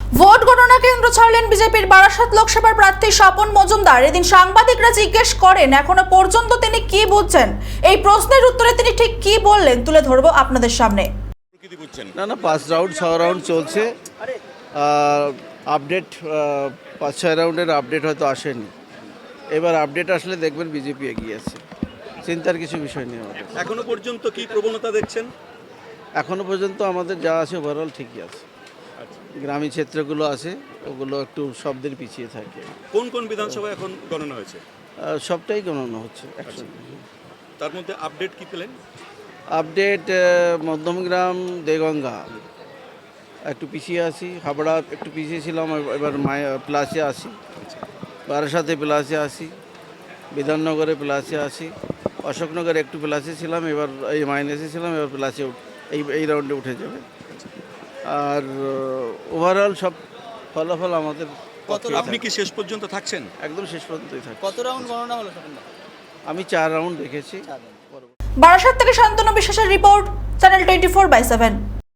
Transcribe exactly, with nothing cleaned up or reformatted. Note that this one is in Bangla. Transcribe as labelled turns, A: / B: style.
A: ভোট গণনা কেন্দ্র ছাড়লেন বিজেপির বারাসাত লোকসভার প্রার্থী স্বপন মজুমদার। এদিন সাংবাদিকরা জিজ্ঞেস করেন এখনো পর্যন্ত তিনি কি বুঝছেন। এই প্রশ্নের উত্তরে তিনি ঠিক কি বললেন তুলে ধরবো আপনাদের সামনে।
B: না না পাঁচ রাউন্ড ছ রাউন্ড চলছে, আপডেট পাঁচ ছয় রাউন্ডের আপডেট হয়তো আসেনি। এবার আপডেট আসলে দেখবেন বিজেপি এগিয়ে আছে, চিন্তার কিছু বিষয় নেই আমাদের।
C: এখনো পর্যন্ত কি প্রবণতা দেখছেন?
B: এখনো পর্যন্ত আমাদের যা আছে ওভারঅল ঠিকই আছে। গ্রামীণ ক্ষেত্রগুলো আছে ওগুলো একটু শব্দের পিছিয়ে থাকে।
C: কোন কোন বিধানসভা এখন গণনা হয়েছে?
B: আহ, সবটাই গণনা হচ্ছে একসঙ্গে।
C: তার মধ্যে আপডেট কি পেলেন?
B: আপডেট মধ্যমগ্রাম দেগঙ্গা একটু পিছিয়ে আছি, হাবড়া একটু পিছিয়ে ছিলাম, এবার মায়া প্লাসে আসি, বারাসাতে প্লাসে আসি, বিধাননগরে প্লাসে আসি, অশোকনগরে একটু প্লাসে ছিলাম, এবার এই মাইনাসে ছিলাম, এবার প্লাসে এই এই রাউন্ডে উঠে যাবে। আর ওভারঅল সব ফলাফল আমাদের।
C: আপনি কি শেষ পর্যন্ত থাকছেন?
B: একদম শেষ পর্যন্তই থাকছে।
D: কত রাউন্ড গণনা হলো?
B: আমি চার রাউন্ড দেখেছি।
A: বারাসাত থেকে শান্তনু বিশ্বাসের report, channel twenty four by seven.